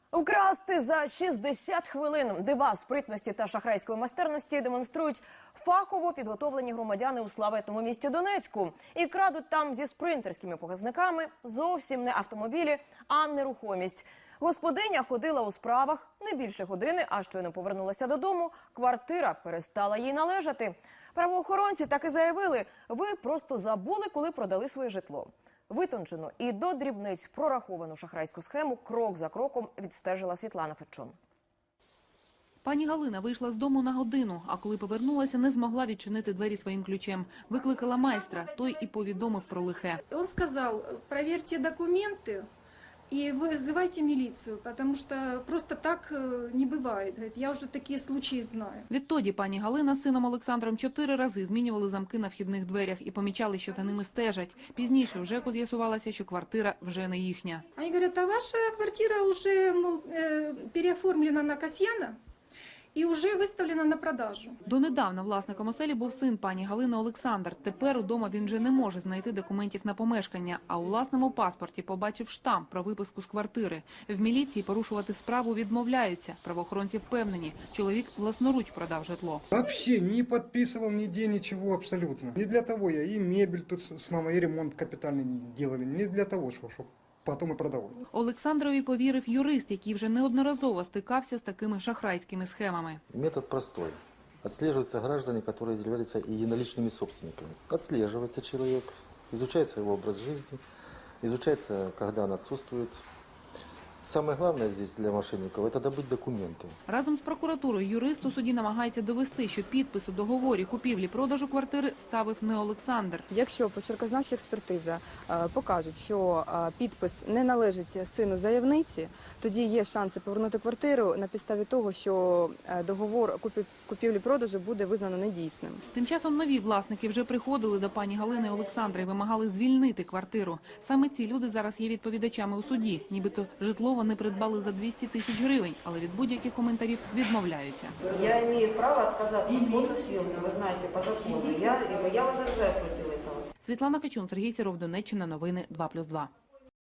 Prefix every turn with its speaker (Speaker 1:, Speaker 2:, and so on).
Speaker 1: Украсти за 60 хвилин. Дива спритності та шахрайської майстерності демонструють фахово підготовлені громадяни у славетному місті Донецьку. І крадуть там зі спринтерськими показниками зовсім не автомобілі, а нерухомість. Господиня ходила у справах не більше години, а щойно повернулася додому, квартира перестала їй належати. Правоохоронці так і заявили, ви просто забули, коли продали своє житло. Витончену і до дрібниць прораховану шахрайську схему крок за кроком відстежила Світлана Фечун.
Speaker 2: Пані Галина вийшла з дому на годину, а коли повернулася, не змогла відчинити двері своїм ключем. Викликала майстра, той і повідомив про лихе.
Speaker 3: Он сказал: проверьте документы и вызывайте милицию, потому что просто так не бывает. Говорит, я уже такие случаи знаю.
Speaker 2: Відтоді пані Галина з сином Олександром 4 рази змінювали замки на вхідних дверях і помічали, що за ними стежать. Пізніше в ЖЕКу з'ясувалося, що квартира вже не їхня.
Speaker 3: Они говорят: а ваша квартира уже, мол, переоформлена на Касьяна і вже виставлена на продажу.
Speaker 2: Донедавна власником оселі був син пані Галини Олександр. Тепер удома він вже не може знайти документів на помешкання, а у власному паспорті побачив штамп про виписку з квартири. В міліції порушувати справу відмовляються. Правоохоронці впевнені, чоловік власноруч продав житло.
Speaker 4: Вообще не подписывал нигде ничего абсолютно. Не для того я и мебель тут с мамой, и ремонт капитальный делали. Не для того, чтобы потом и продавать.
Speaker 2: Олександрові повірив юрист, який вже неодноразово стикався з такими шахрайськими схемами.
Speaker 5: Метод простой. Отслеживаются граждане, которые являются и единоличными собственниками. Отслеживается человек, изучается его образ жизни, изучается, когда он отсутствует. Самое главное здесь для мошенников – это добыть документы.
Speaker 2: Разом з прокуратурою юрист у суді намагається довести, що підпис у договорі купівлі-продажу квартири ставив не Олександр.
Speaker 6: Якщо почеркознавча експертиза покаже, що підпис не належить сину заявниці, тоді є шанси повернути квартиру на підставі того, що договор купівлі-продажу буде визнано недійсним.
Speaker 2: Тим часом нові власники вже приходили до пані Галини Олександра і вимагали звільнити квартиру. Саме ці люди зараз є відповідачами у суді. Нібито житло вони придбали за 200 тисяч гривень, але від будь-яких коментарів відмовляються.
Speaker 7: Я имею право отказаться от фотосъемки, вы знаете, по закону. Я возражаю против этого.
Speaker 2: Світлана Фечун, Сергій Сіров, Донеччина, новини 2+2.